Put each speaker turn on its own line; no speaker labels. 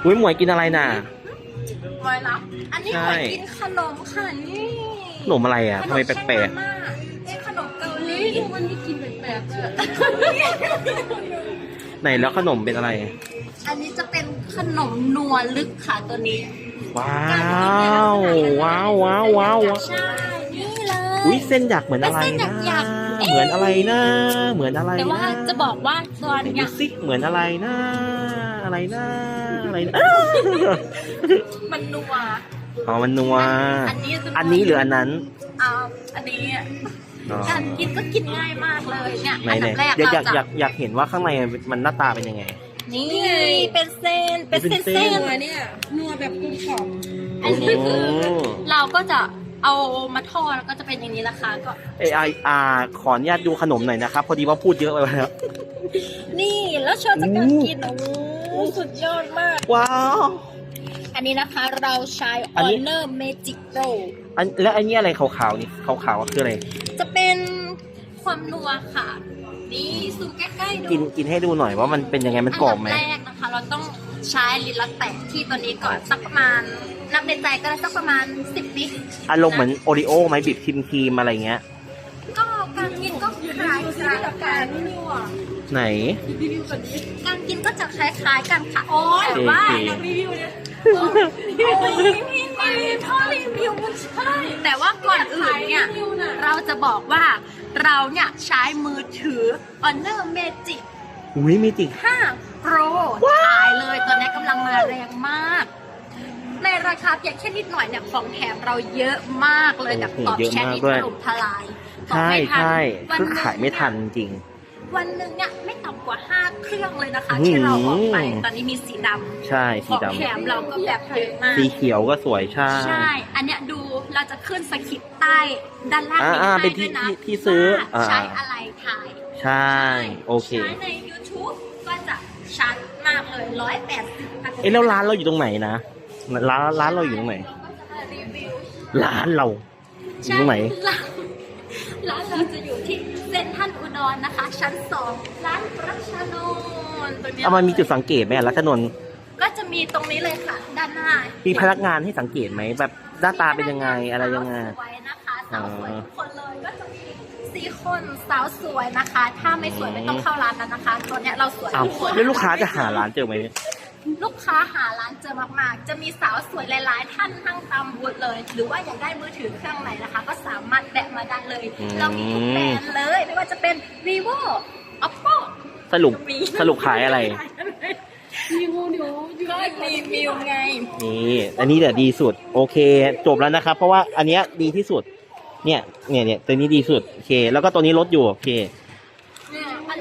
อุ้ยหมวยกินอะไรน่ะ
หมวยรับอันนี้หมวยกินขนมค่ะนี่
ขนมอะไรอ่ะทำไมแปลก
ๆขนมเกาหลีวันนี้กินแปลกๆเลย
ๆไหนแล้วขนมเป็นอะไร
อันนี้จะเป็นขนมนัวลึกค่ะตัวนี้
ว้าวว้าวว้าวว้าว
ใช่นี่เลย
อุ้ยเส้นหยักเหมือนอะไรนะเหมือนอะไรนะเหมือนอะไรนะ
แต่ว่าจะบอกว่าตัวเนี้ย
ซิกเหมือนอะไรนะอะไรนะอะไรนะ
มันนัว
อ๋อมันนัวอันนี้หรืออันนั้น
อันนี้การกินก็กินง่ายมากเลยเนี่ยอันดับแรก
อยากเห็นว่าข้างในมันหน้าตาเป็นยังไง
นี่เป็นเส้น
เนี่ยนัวแบบกรุบกรอบ
อันนี้คือเราก็จะเอามาทอดแล้วก็จะเป็นอย่างนี้ละค่ะก็
ขออนุญาตดูขนมหน่อยนะครับพอดีว่าพูดเยอะไปแล้ว
นี่แล้วเชิญจากการกินโอ้สุดยอดมาก
ว้าว
อันนี้นะคะเราใช้ Honor Magic Pro
แล้วอันนี้อะไรขาวๆนี่ขาวๆคืออะไร
จะเป็นความนัวค่ะนี่ซูมใกล้ๆดู
กินให้ดูหน่อยว่ามันเป็นยังไงมันกรอบไหม
อันดับแรกนะคะเราต้องใช้ลิ้นละแตะที่ตัวนี้ก่อนสักประมาณนับในใจก็ได้สักประมาณ10 วิ
อารมณ์เหมือนโอริโอไหมบีบครีมอะไรเงี้ย
ก็การกินก็คล้ายๆกับการ
ไหน
การกินก็จะคล้ายๆกันค่ะโอ้ยแต่ว่ารีวิวเนี่ยถ้ารีวิวมันใช่แต่ว่าก่อนอื่นเนี่ยเราจะบอกว่าเราเนี่ยใช้มือถือ Honor Magic
อุ้ยเมจิก
5 Pro ถ่ายเลยตอนนี้กำลังมาแรงมากในราคาเพียงแค่นิดหน่อยเนี่ยของแถมเราเยอะมากเลยแบบตอบแชทนี่ถล่มทลาย
ใช่คือขายไม่ทันจริง
วันหนึ่งเนี่ยไม่ต่ำกว่า5 เครื่องเลยนะคะที่เราออกไปตอนนี้มีสีดำ
ใช่สีดำ
ของแถมเราก็แบบเยอะมาก
สีเขียวก็สวยใช่
อันเนี้ยดูเราจะขึ้นสคริปต์ใต้ด้านล่างนี้ให้ด้วยนะ
ที่ซื้อ
ใช้อะไรถ่าย
ใช่โอเค
ใช้ใน YouTube ก็จะชัดมากเลย180
แล้วร้านเราอยู่ตรงไหนนะร้านเราอยู่ตรงไหนร้านเราอยู่ตรงไหน
ร้านเราจะอยู่ที่เซ็นทรัลอุดรนะคะชั้น2ร้านรัชนนท์ตรงนี้
มันมีจุดสังเกตไหมรัชนนท์
ก็จะมีตรงนี้เลยค่ะด้านหน้า
มีพนักงานให้สังเกตไหมแบบหน้าตาเป็นยังไงอะไรยังไง
สวยนะคะสาวสวยทุกคนเลยก็จะมี4 คนสาวสวยนะคะถ้าไม่สวยไม่ต้องเข้าร้านนั้นนะคะตัวเนี้ยเราสวยทุกคน
แล้วลูกค้าจะหาร้านเจอไหม
ลูกค้าหาร้านเจอมากๆจะมีสาวสวยหลายๆท่านทั้งตามบูธเลยหรือว่าอยากได้มือถือเครื่องไหนนะคะก็สามารถแบะมาได้เลยเรามีทุกแบรนด์เลยไม่ว่าจะเป็น vivo oppo
สรุปขายอะไร
ก็รีวิวไง
นี่อันนี้เดี๋ยวดีสุดโอเคจบแล้วนะครับเพราะว่าอันเนี้ยดีที่สุดเนี่ยตัวนี้ดีสุดโอเคแล้วก็ตัวนี้ลดอยู่โอเค